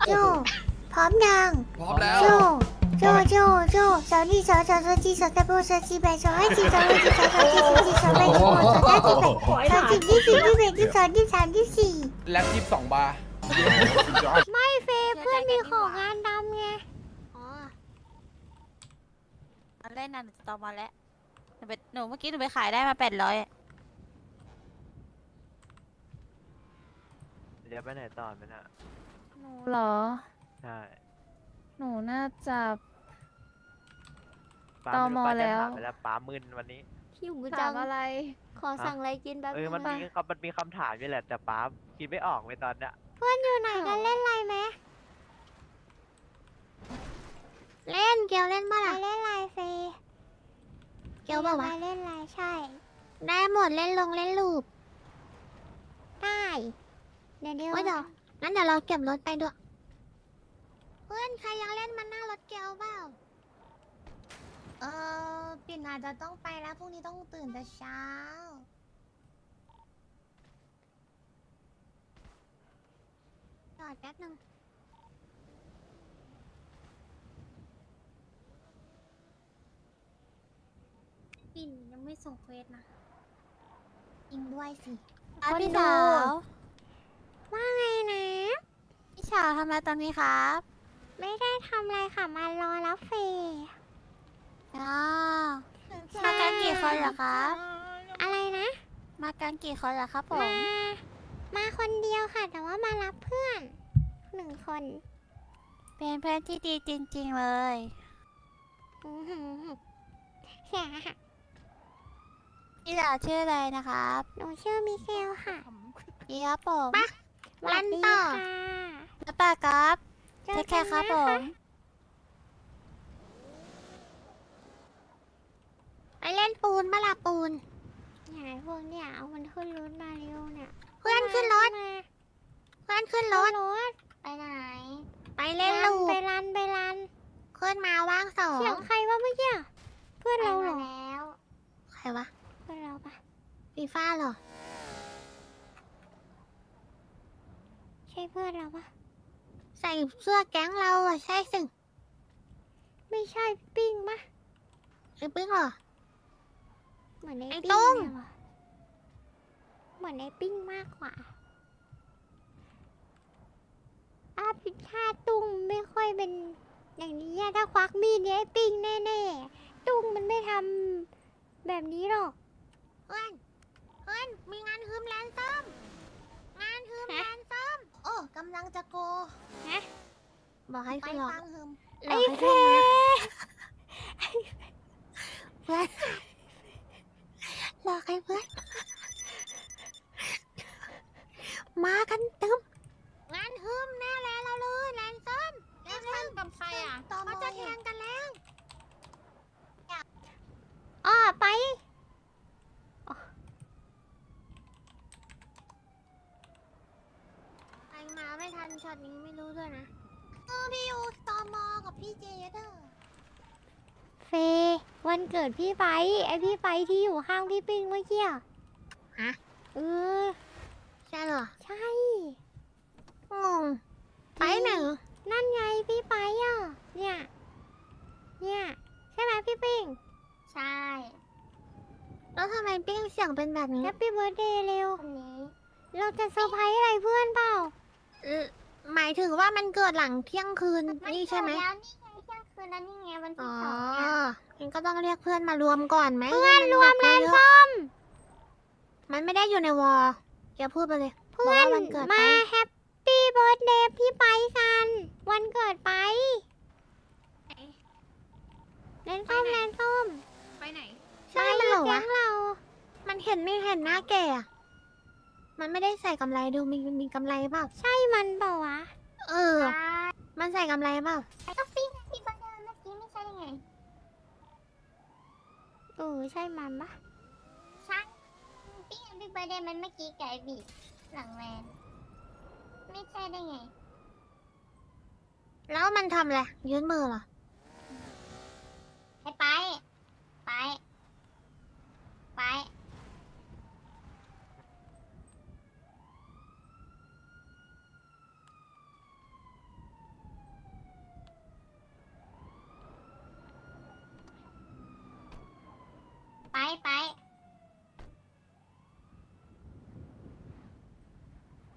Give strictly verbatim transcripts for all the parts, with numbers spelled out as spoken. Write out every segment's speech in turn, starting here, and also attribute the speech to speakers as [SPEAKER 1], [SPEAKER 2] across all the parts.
[SPEAKER 1] โจพร้อมยัง
[SPEAKER 2] พร้อมแล้ว
[SPEAKER 1] โจโจโจโจสาวนี่สาวสาวสาวจีสาวตะโบสาวจีแบสาวให้จีสาวให้จีสาวสาวจีสาวจีสาวแบสาวสาวจีแบสาวจีที่สี่ที่แบที่สองที่สามที่สี่
[SPEAKER 2] แล็ปยี่สิบสองบาร์
[SPEAKER 1] ไม่เฟย์เพื่อนมีของงานดำไง
[SPEAKER 3] อ๋ออันเล่นน่ะหนูจะต่อมาแล้วหนูไปหนูเมื่อกี้หนูไปขายได้มาแปดร้อย
[SPEAKER 4] เดี๋ยวไปไหนต่อไหมน่ะ
[SPEAKER 5] หนูเหรอ
[SPEAKER 4] ใช่
[SPEAKER 5] หนูน่าจะ
[SPEAKER 4] ป้า
[SPEAKER 5] ต
[SPEAKER 4] ไม่
[SPEAKER 5] ม
[SPEAKER 4] รู้ป้าจะ
[SPEAKER 5] แล้ว
[SPEAKER 4] ถามไปแล้วป้ามึนวันนี้
[SPEAKER 1] หิวจั
[SPEAKER 5] ถาง มอะไร
[SPEAKER 1] ขอสั่งอะไรกินแป๊บ
[SPEAKER 4] เอ
[SPEAKER 1] นึ
[SPEAKER 4] อง มันมี
[SPEAKER 1] นะ
[SPEAKER 4] คำมันมีคำถามอยู่แหละแต่ป้าคิดไม่ออกเลยตอนเนี้ย
[SPEAKER 1] เพื่อนอยู่ไหนกันเล่นอะไรไหมเล่นเกียวเล่นเมื่อไหร่เล่นอะไรเฟย์เกียวบอกว่าเล่นอะไรใช่ ได้หมดเล่นลงเล่นลูปได้เดี๋ยวเดี๋ยวเดี๋ยวงั้นเดี๋ยวเราเก็บรถไปด้วยเพื่อนใครยังเล่นมันนั่งรถเกียวเปล่าเออปิ่นอาจจะต้องไปแล้วพรุ่งนี้ต้องตื่นแต่เช้าจอดแป๊บนึงปิ่นยังไม่ส่งเควสนะยิงด้วยสิ
[SPEAKER 3] อ่ะ
[SPEAKER 1] คน
[SPEAKER 3] พี่
[SPEAKER 1] ดู
[SPEAKER 3] สาว
[SPEAKER 1] ว่าไงนะ
[SPEAKER 3] พี่สาวทำอะไรตอนนี้ครับ
[SPEAKER 1] ไม่ได้ทำอะไรค่ะ มารอรับเฟย์
[SPEAKER 3] อ๋อมากันกี่คนเหรอครับ
[SPEAKER 1] อะไรนะ
[SPEAKER 3] มากันกี่คนเหรอครับผม
[SPEAKER 1] มา มาคนเดียวค่ะ แต่ว่ามารับเพื่อนหนึ่งคน
[SPEAKER 3] เป็นเพื่อนที่ดีจริงๆเลย
[SPEAKER 1] อื้อหือเสียค่ะ
[SPEAKER 3] พี่สาวชื่ออะไรนะครับ
[SPEAKER 1] หนูชื่อมิเกลค่ะ
[SPEAKER 3] พี่ครับผม
[SPEAKER 1] รันต่อ
[SPEAKER 3] แล้วป้าครับ
[SPEAKER 1] เจ
[SPEAKER 3] เท
[SPEAKER 1] อ
[SPEAKER 3] คแค
[SPEAKER 1] กัน
[SPEAKER 3] ร์ครับ
[SPEAKER 1] นะ
[SPEAKER 3] ผ
[SPEAKER 1] คะ
[SPEAKER 3] ม
[SPEAKER 1] ไปเล่นปูนมาละปูนไหนพวกเนี่ยเอามันขึ้นรถมาเร็วเนี่ย เพื่อนขึ้นรถ เพื่อนขึ้นรถ ไปไหน ไปเล่นลูกไปรันไปรัน ขึ้นมาว่างสองเสียงใครวะเมื่อกี้ เพื่อนเราเหรอแล้วใครวะ เพื่อนเราปะฟีฟ้าเหรอ ใช่เพื่อนเราปะใส่เสื้อแก๊งเราอะใช่สิ ไม่ใช่ปิ้งปะไอ้ปิ้งเหรอ เหมือนไอ้
[SPEAKER 3] ไอ้
[SPEAKER 1] ปิ้ง
[SPEAKER 3] ตุ้ง
[SPEAKER 1] เลยว่ะเหมือนไอ้ปิ้งมากกว่าอาพิชาตุ้งไม่ค่อยเป็นอย่างนี้อะถ้าควักมีดเนี่ยไอ้ปิ้งแน่ๆ ตุ้งมันไม่ทำแบบนี้หรอก เพื่อน เพื่อน มีงานฮืมแลนซ้อม งานฮืมแลนซ้อม โอ้กำลังจะโกฮะบอกให้ขึ้นหรอไปฟังฮืมไอ้เฟเพื่อนหลอกให้เพื่อน มากันเต็มงานฮึมแน่แล้วเราเลยแลนซ้อมแลนซ้อมกับใครอ่ะเขาจะแทงกันแล้วอ๋อไปอ๋อไปมาไม่ทันช็อตนี้ไม่รู้ด้วยนะเออพี่ยูตอมอกับพี่เจเดอร์เฟวันเกิดพี่ไปไอพี่ไปที่อยู่ข้างพี่ปิงเมื่อกี้ฮะเออใช่เหรอใช่งงไปไหนนั่นไงพี่ไปอ่ะเนี่ยเนี่ยใช่ไหมพี่ปิงใช่แล้วทำไมปิ้งเสียงเป็นแบบนี้แฮปปี้เบิร์ดเดย์เร็วคนนี้เราจะเซอร์ไพรส์อะไรเพื่อนเปล่าเออหมายถึงว่ามันเกิดหลังเที่ยงคืนนี่ใช่ไหมแล้วนี่ไงเที่ยงคืนแล้วนี่ไงวันที่สองเนี่ยงั้นก็ต้องเรียกเพื่อนมารวมก่อนไหมเพื่อนรวมแลนส้มมันไม่ได้อยู่ในวอลอย่าพูดไปเลยเพื่อนวันเกิดมาแฮปปี้เบิร์ดเดย์พี่ไปกัน วันเกิดไปแลนส้มแลนส้ม
[SPEAKER 5] ไปไหน
[SPEAKER 1] ใช่มันเหรอวะเรา มันเห็นไม่เห็นหน้าแกอะมันไม่ได้ใส่กำไรดูมีมีกำไรเปล่า ใช่มันเปล่าวะ เออ มันใส่กำไรเปล่าก็ปิ้งที่บันเดินเมื่อกี้ไม่ใช่ไงเออใช่มันปะใช่ปิ้งบิ๊กเบอร์เดย์มันเมื่อกี้ไก่บีหลังแมนไม่ใช่ได้ไง แล้วมันทำอะไรยืนมือเหรอ ให้ไป ไป ไป ไ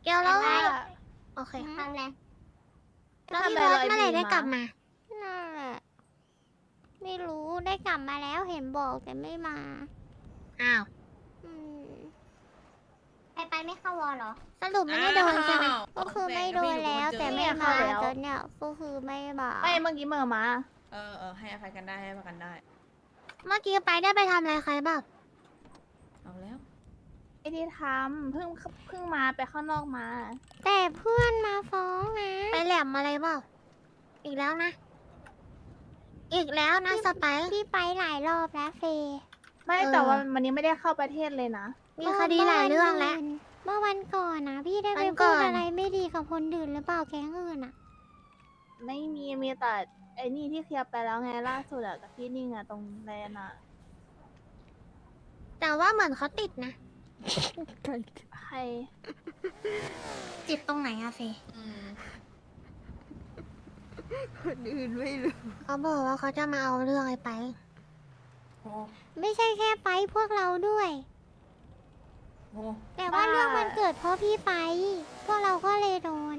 [SPEAKER 1] เกลแล้ว
[SPEAKER 5] ว่า
[SPEAKER 1] โอเค
[SPEAKER 2] ทำอะไร
[SPEAKER 1] แล้ว
[SPEAKER 5] ทำ
[SPEAKER 1] พี่
[SPEAKER 5] อะไร
[SPEAKER 1] บอส
[SPEAKER 5] ร้อย
[SPEAKER 1] เมื่อไหร่
[SPEAKER 5] ปี
[SPEAKER 1] ได้
[SPEAKER 5] มา
[SPEAKER 1] กลับมา
[SPEAKER 2] นั่นแหละไม่รู้ได้กลับมาแล้วเห็นบอกแต่ไม่มา
[SPEAKER 1] อ้าว
[SPEAKER 2] อืม
[SPEAKER 1] ไปไปไม่เข้าวอลเหรอ สรุปไม่ได้โดนใช่ไหม
[SPEAKER 2] ก็คือไม่โดนแล้วแต่ไม่มาจนเนี่ยก็คือไม่มา
[SPEAKER 5] ไม่เมื่อกี้เมื่อมา
[SPEAKER 6] เออเออให้อภัยกันได้ให้อภัยกันได้
[SPEAKER 1] เมื่อกี้ไปได้ไปทำอะไรใครบ้าง
[SPEAKER 6] เอาแล้ว
[SPEAKER 5] ไม่ได้ทำเพิ่งเพิ่งมาไปข้างนอกมา
[SPEAKER 2] แต่เพื่อนมาฟ้องนะ
[SPEAKER 1] ไปแหลมอะไรบ้างอีกแล้วนะ อีกแล้วนะสไปซ์
[SPEAKER 2] พี่ไปหลายรอบแล้วเฟย์
[SPEAKER 5] ไม่
[SPEAKER 1] เออ
[SPEAKER 5] แต่ว่าวันนี้ไม่ได้เข้าประเทศเลยนะ
[SPEAKER 1] มีคดีหลายเรื่องแล้ว
[SPEAKER 2] เมื่อวันก่อนนะพี่ได้ไป
[SPEAKER 1] วันก่
[SPEAKER 2] พู
[SPEAKER 1] อน
[SPEAKER 2] ดอะไรไม่ดีกับคนอื่นหรือเปล่าแก๊งอื่นอ่ะ
[SPEAKER 5] ไม่มีมีแต่ไอ้นี่ที่เคลียร์ไปแล้วไงล่าสุดอะกับพี่นิ่งอะตรงแลนอะ
[SPEAKER 1] แต่ว่าเหมือนเขาติดนะ
[SPEAKER 5] ใคร
[SPEAKER 1] ติดตรงไหนอะเฟย
[SPEAKER 6] อืม
[SPEAKER 1] เขาบอกว่าเขาจะมาเอาเรื่องไอ้ไป
[SPEAKER 6] โอ้
[SPEAKER 2] ไม่ใช่แค่ไปพวกเราด้วย
[SPEAKER 6] โห
[SPEAKER 2] แต่ว่าเรื่องมันเกิดเพราะพี่ไป พวกเราก็เลยโดน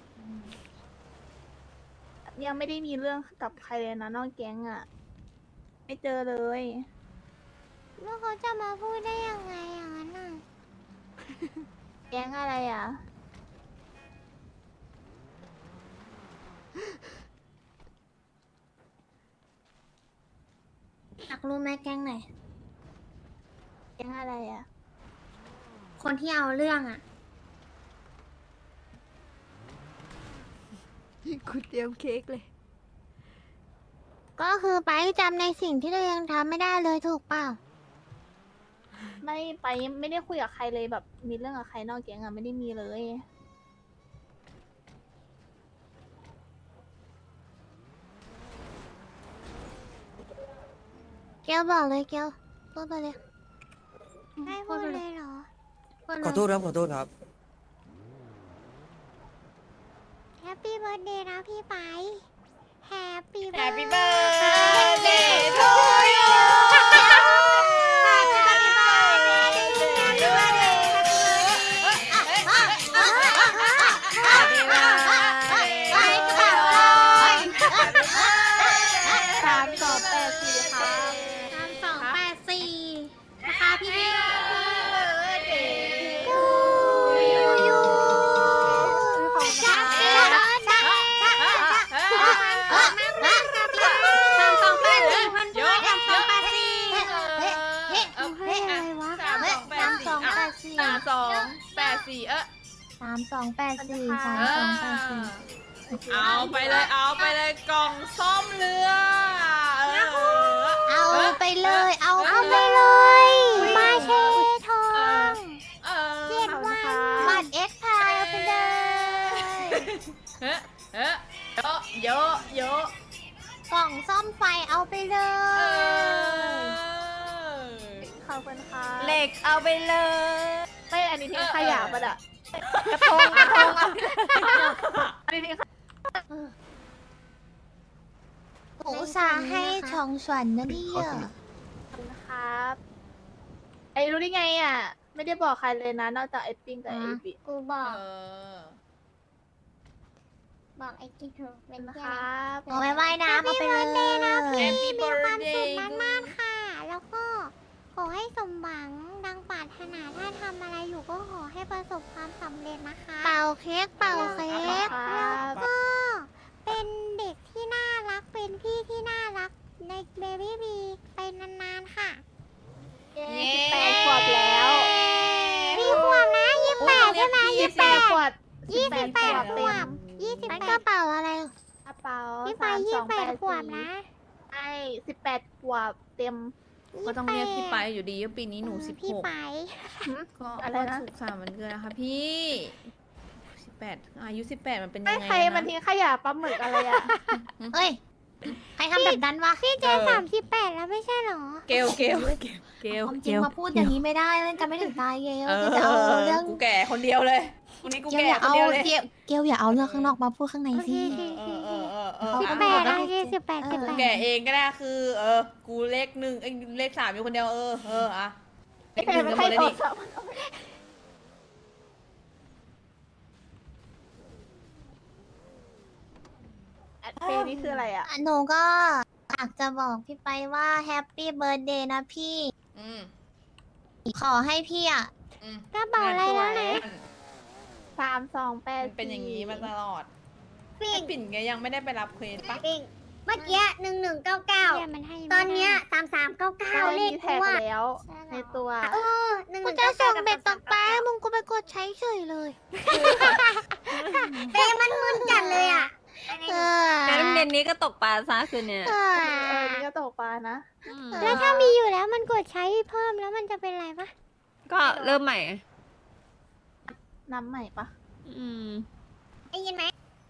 [SPEAKER 5] ยังไม่ได้มีเรื่องกับใครเลยนะนอกแก๊งอะไม่เจอเลย
[SPEAKER 2] แล้วเขาจะมาพูดได้ยังไงอย่างนั้นน่ะ
[SPEAKER 5] แก๊งอะไรอะ
[SPEAKER 1] อยากรู้ไหมแก๊งไหน
[SPEAKER 5] แก๊งอะไรอะ
[SPEAKER 1] คนที่เอาเรื่องอะ
[SPEAKER 7] คุณเตรียมเค้กเลย
[SPEAKER 1] ก็คือไปจำในสิ่งที่ตัวเองทำไม่ได้เลยถูกเปล่า
[SPEAKER 5] ไม่ไปไม่ได้คุยกับใครเลยแบบมีเรื่องกับใครนอกแก๊งอะไม่ได้มีเลย
[SPEAKER 1] เกลบอกเลยเกลพูดไปเลย
[SPEAKER 2] ให้พูดเลยเหรอ
[SPEAKER 1] พูดเลย
[SPEAKER 8] ขอโทษครับ ขอโทษครับ
[SPEAKER 2] แฮปปี้เบิร์ดเดย์นะพี่ไป แฮปปี้
[SPEAKER 6] แฮ
[SPEAKER 2] เบิร์
[SPEAKER 6] ปปี้
[SPEAKER 2] ด
[SPEAKER 6] เบิร์ดเดย์ทูยู
[SPEAKER 5] สามสองแปดสี่ครับ
[SPEAKER 1] สามสองแปดสี่นะคะพี่พี่
[SPEAKER 2] ยูยู
[SPEAKER 1] จัดเกลจัดจัดสามสองแปดสี่พันด้วยสามสองแปดสี่
[SPEAKER 2] ให้อะไรวะ
[SPEAKER 6] สามสองแป
[SPEAKER 1] สา
[SPEAKER 6] ด
[SPEAKER 1] มส
[SPEAKER 6] สี่
[SPEAKER 1] องแปดสี่
[SPEAKER 6] สามสองแปดสี่เออ
[SPEAKER 2] สามสองแปดสี่สาม
[SPEAKER 6] เอ
[SPEAKER 2] สองแปด
[SPEAKER 6] อ
[SPEAKER 2] สี่
[SPEAKER 6] เอาไปเลยเอาไปเลยกล่องซ่อมเรือเออ
[SPEAKER 1] เอาไปเลย เอา
[SPEAKER 2] เอาไปเลย มาเชทอง
[SPEAKER 6] เออ
[SPEAKER 2] เจ็ดวัน
[SPEAKER 1] บัตรเอ็กซ์พายเอาไปเลย
[SPEAKER 6] เฮ้เฮ้เยอะเยอะเยอะ
[SPEAKER 1] กล่องซ่อมไฟเอาไปเล
[SPEAKER 6] เอย อ
[SPEAKER 5] ขอบคุณค่ะ
[SPEAKER 6] เหล็กเอาไปเลย
[SPEAKER 5] ไม่อันนี้ทิ้งขยะปะอะ
[SPEAKER 6] กระทงกระทงอ่ะ
[SPEAKER 5] อันนี้ทิ้งขยะ
[SPEAKER 1] อุตส่าห์ให้ช่องส่วนนะเนี่ย
[SPEAKER 5] ครับไอ้รู้ได้ไงอ่ะ ไม่ได้บอกใครเลยนะ นอกจากไอ้ปิ้งกับไอ้บิ
[SPEAKER 1] กูบอก
[SPEAKER 6] เออ
[SPEAKER 1] บอกไอ้ที่เธอเป็น
[SPEAKER 5] นะ
[SPEAKER 1] แค่
[SPEAKER 5] ครับ
[SPEAKER 1] เอาไปว่ายน้ำเอาไปเลย
[SPEAKER 2] นะพี่
[SPEAKER 6] Happy
[SPEAKER 2] มีความสุข
[SPEAKER 6] birthday
[SPEAKER 2] มากๆค่ะ แล้วก็ขอให้สมหวังดังปรารถนาถ้าทำอะไรอยู่ก็ขอให้ประสบความสำเร็จนะคะ
[SPEAKER 1] เป่าเค้กเป่าเค้ก
[SPEAKER 5] ครับ
[SPEAKER 2] ก็เป็นเด็กที่น่ารักเป็นพี่ที่น่ารักในเบบี้บีไปนานๆค่ะ
[SPEAKER 5] เย้สิบแปดขวบแล้ว
[SPEAKER 2] พี่ขวบนะยี่สิบแปดใช่ไหม
[SPEAKER 5] ยี่
[SPEAKER 2] ยี่
[SPEAKER 5] สิ
[SPEAKER 2] สิ
[SPEAKER 5] บบ แป
[SPEAKER 2] แป
[SPEAKER 5] ด
[SPEAKER 2] ด
[SPEAKER 5] ขวบ
[SPEAKER 2] ยี่สิบแปด
[SPEAKER 5] ขวบ
[SPEAKER 2] ข
[SPEAKER 5] เต็
[SPEAKER 2] ว
[SPEAKER 5] ม
[SPEAKER 2] บยี่สิบ
[SPEAKER 1] นั่น
[SPEAKER 2] แป
[SPEAKER 1] กระ
[SPEAKER 2] ด
[SPEAKER 1] เป๋าอะไร
[SPEAKER 5] กระเป๋า
[SPEAKER 2] พี่ไป
[SPEAKER 5] สาม
[SPEAKER 2] ยี่
[SPEAKER 5] ส
[SPEAKER 2] สิ
[SPEAKER 5] อบ ง
[SPEAKER 2] แป
[SPEAKER 5] แป
[SPEAKER 2] ด
[SPEAKER 5] ด
[SPEAKER 2] ขวบ
[SPEAKER 5] สี่
[SPEAKER 2] นะ
[SPEAKER 5] ใช่สิบแปดขวบเต็ม
[SPEAKER 6] ก็ต้องเรียกพี่ไปอยู่ดีว่าปีนี้หนูสิบ
[SPEAKER 2] พี่
[SPEAKER 6] หก
[SPEAKER 2] ไป
[SPEAKER 6] ก็
[SPEAKER 5] อะไรนะ
[SPEAKER 6] สุขสันต์วันเกิดนะคะพี่สิบแปดอายุสิบแปดมันเป็นยัง
[SPEAKER 5] ไม่
[SPEAKER 6] ไง
[SPEAKER 5] ใคร
[SPEAKER 6] อะ
[SPEAKER 5] มัน
[SPEAKER 6] นะ
[SPEAKER 5] ทิ้งขยะปลาหมึกอะไรอ่ะ
[SPEAKER 1] เอ้ย ใครทำแบบนั้นวะ
[SPEAKER 2] พี่เจ
[SPEAKER 6] เออ
[SPEAKER 2] สามสิบแปดแล้วไม่ใช่เหรอ
[SPEAKER 6] เกลเกลเกลเกล
[SPEAKER 1] ความจ
[SPEAKER 6] เก
[SPEAKER 1] ริง
[SPEAKER 6] ล
[SPEAKER 1] มาพูดอย่างนี้ไม่ได้เล่นกันไม่ถึงตายเกล
[SPEAKER 6] เออ
[SPEAKER 1] จะเอาเรื่อง
[SPEAKER 6] กูแก่คนเดียวเลยวันนี้กู
[SPEAKER 1] เกล
[SPEAKER 6] แก่
[SPEAKER 1] อย่า
[SPEAKER 6] คน
[SPEAKER 1] เอา
[SPEAKER 6] เดียวเลย
[SPEAKER 1] เกลเกลอย่าเอาเรื่องข้างนอกมาพูดข้างใน
[SPEAKER 2] โอเค
[SPEAKER 1] สิ
[SPEAKER 2] โอเค
[SPEAKER 6] เอ
[SPEAKER 2] โอ
[SPEAKER 6] อ
[SPEAKER 2] เค
[SPEAKER 6] เออเออเออ
[SPEAKER 2] สิบแปด
[SPEAKER 6] อ่ะ
[SPEAKER 2] โอเคสิบแปดสิบแป
[SPEAKER 6] กู
[SPEAKER 2] ด
[SPEAKER 6] แก่เองก็ได้คือ เออ กูเลขหนึ่งเอ้ยเลขสามอยู่คนเดียวเออเอออะเลขหนึ่ง
[SPEAKER 5] ไม่
[SPEAKER 6] กันห
[SPEAKER 5] ใค
[SPEAKER 6] ม
[SPEAKER 5] ร
[SPEAKER 6] ดเลย
[SPEAKER 5] โทร
[SPEAKER 6] นี่
[SPEAKER 5] ศัพท์นี่คืออะไรอ่ะ
[SPEAKER 2] หนูก็อยากจะบอกพี่ไปว่าแฮปปี้เบิร์ดเดย์นะพี่
[SPEAKER 6] อืม
[SPEAKER 2] ขอให้พี่อ่ะ
[SPEAKER 6] อืม
[SPEAKER 1] กระเป๋าอะไรแล้วนะ
[SPEAKER 5] สามสองแปด
[SPEAKER 6] มันเป็นอย่างนี้มาตลอด
[SPEAKER 2] ปิ้ง
[SPEAKER 6] ไอ้ปิ่นแกยังไม่ได้ไปรับเควสปะ
[SPEAKER 2] ปิ้งเมื่อกี้หนึ่งหนึ่งเก้าเก้า
[SPEAKER 1] เนี่ยมันให้ไม่
[SPEAKER 2] ตอนเนี้ย
[SPEAKER 1] ได้
[SPEAKER 2] สามสามเก้าเก้า
[SPEAKER 5] เรา
[SPEAKER 2] เล
[SPEAKER 5] มี
[SPEAKER 2] ข
[SPEAKER 5] แท็ก
[SPEAKER 2] ว่า
[SPEAKER 5] แล้ว ในตัว
[SPEAKER 2] เออหนึ่งห
[SPEAKER 1] กู
[SPEAKER 2] นึ่ง
[SPEAKER 1] จะ
[SPEAKER 2] เก้า
[SPEAKER 1] ส่
[SPEAKER 2] เก้าง
[SPEAKER 1] เบ็ดตกปลามึงกูไปกดใช้เฉยเลย
[SPEAKER 2] เป้มันมึนจัดเลยอ่ะ
[SPEAKER 1] เออ
[SPEAKER 7] งั้นเย็นนี้ก็ตกปลาซะคืนเนี่ย
[SPEAKER 1] เอ
[SPEAKER 5] เออ
[SPEAKER 1] อ
[SPEAKER 5] นี่ก็ตกปลานะ
[SPEAKER 1] แล้วถ้ามีอยู่แล้วมันกดใช้เพิ่มแล้วมันจะเป็นไรปะ
[SPEAKER 7] ก็เริ่มใหม่
[SPEAKER 5] น้ำใหม่ปะ
[SPEAKER 7] อืม
[SPEAKER 2] ได้ยินไหม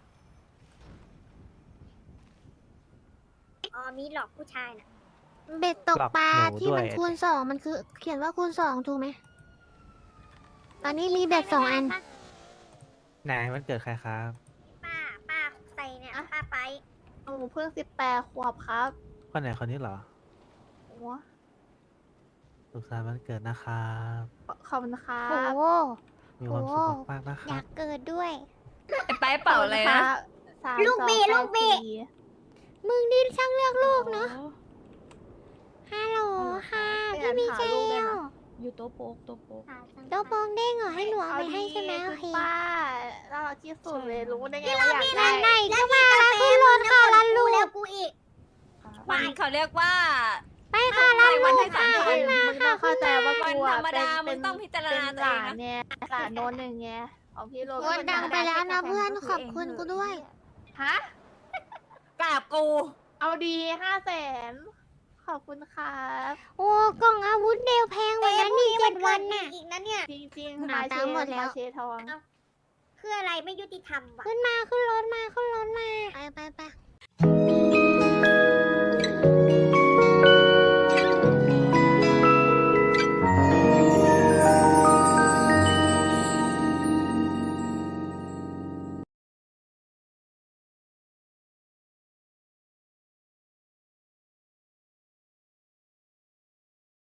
[SPEAKER 2] อ๋อมีหลอกผู้ชายนะ
[SPEAKER 1] เบ็ดตกปลา
[SPEAKER 4] หลอกหนู
[SPEAKER 1] ที่มัน
[SPEAKER 4] ด้วย
[SPEAKER 1] คูณสองมันคือ เขียนว่าคูณสองถูกไหมตอนนี้มีเบ็ดสองอัน
[SPEAKER 8] ไหนมันเกิดใครครับ
[SPEAKER 2] ป้าป้าใส่เนี่ยป้าไป
[SPEAKER 5] หนูเพิ่งสิบแปดขวบครับ
[SPEAKER 8] คนไหนคนนี้เหรอ
[SPEAKER 5] โอ้
[SPEAKER 8] สุขสันต์วันเกิดนะครับ
[SPEAKER 5] ขอบคุณครั
[SPEAKER 1] โอ้
[SPEAKER 5] บ
[SPEAKER 1] โห
[SPEAKER 8] มีความสุขมากๆนะค
[SPEAKER 1] อ
[SPEAKER 8] รั
[SPEAKER 1] ยา
[SPEAKER 8] บ
[SPEAKER 1] กเกิดด้วย
[SPEAKER 7] ไอ้ไปเป่าอะไรนะ
[SPEAKER 5] สาม
[SPEAKER 2] ลูกบี
[SPEAKER 5] สอง
[SPEAKER 2] ลูกบี
[SPEAKER 5] แปดสี่
[SPEAKER 1] มึงนี่ช่างเลือกลูกเนาะ ฮัลโหลค่ะ พี่มิเกล
[SPEAKER 7] อยู่โต๊ะโป๊กโต๊ะโป๊ก
[SPEAKER 1] โต๊ะโปองเด้งเหรอให้หนูเอาไปให้ใช่ไหมโอเค
[SPEAKER 5] ณป้าน่ารักที่สุดเลยรู้ได้ไง
[SPEAKER 2] พี่
[SPEAKER 5] ว่า
[SPEAKER 2] เรา
[SPEAKER 5] อยาก
[SPEAKER 2] มี
[SPEAKER 5] ได้
[SPEAKER 1] ไหนๆก็มาแล้วขึ้นรถค่ะลันลู
[SPEAKER 2] แล้ว
[SPEAKER 1] ก
[SPEAKER 2] กูอีก
[SPEAKER 7] มันเขาเรียกว่า
[SPEAKER 1] ไปค่ะลัน
[SPEAKER 7] วั
[SPEAKER 1] ลู
[SPEAKER 7] น
[SPEAKER 1] ก
[SPEAKER 7] ให้สา
[SPEAKER 1] ค่ะ
[SPEAKER 7] มคน
[SPEAKER 1] ขึ้นมา
[SPEAKER 5] มึงต้องเข้าใจว่า
[SPEAKER 7] วัน
[SPEAKER 5] กู
[SPEAKER 7] ธร
[SPEAKER 5] อะ
[SPEAKER 7] รมดา
[SPEAKER 5] เป็น
[SPEAKER 7] มึงต้องพิจาร
[SPEAKER 5] เป็น
[SPEAKER 7] ณา
[SPEAKER 5] ห
[SPEAKER 7] ตัวเอ
[SPEAKER 5] ลาง น
[SPEAKER 7] นะ
[SPEAKER 5] เนี่ยหลานโน้นหนึ่งไงของพี่โร
[SPEAKER 1] โอนดังไปแล้วนะเพื่อนขอบคุณกูด้วย
[SPEAKER 5] ฮะ
[SPEAKER 7] กราบกู
[SPEAKER 5] เอาดีห้าแสนขอบคุณครับ
[SPEAKER 1] โอ้กล่องอาวุธเดวแพงกว่านั้นนี่เจ็ดวันน่ะ
[SPEAKER 2] อีกนะเนี่ย
[SPEAKER 5] จริง
[SPEAKER 1] ห
[SPEAKER 5] ๆ
[SPEAKER 1] นา
[SPEAKER 5] มาเช
[SPEAKER 1] ตามหมดแล้ว
[SPEAKER 5] มาเชทอง
[SPEAKER 2] คืออะไรไม่ยุติธรรมวะ
[SPEAKER 1] ขึ้นมาขึ้นรถมาขึ้นรถมา ไปไปไป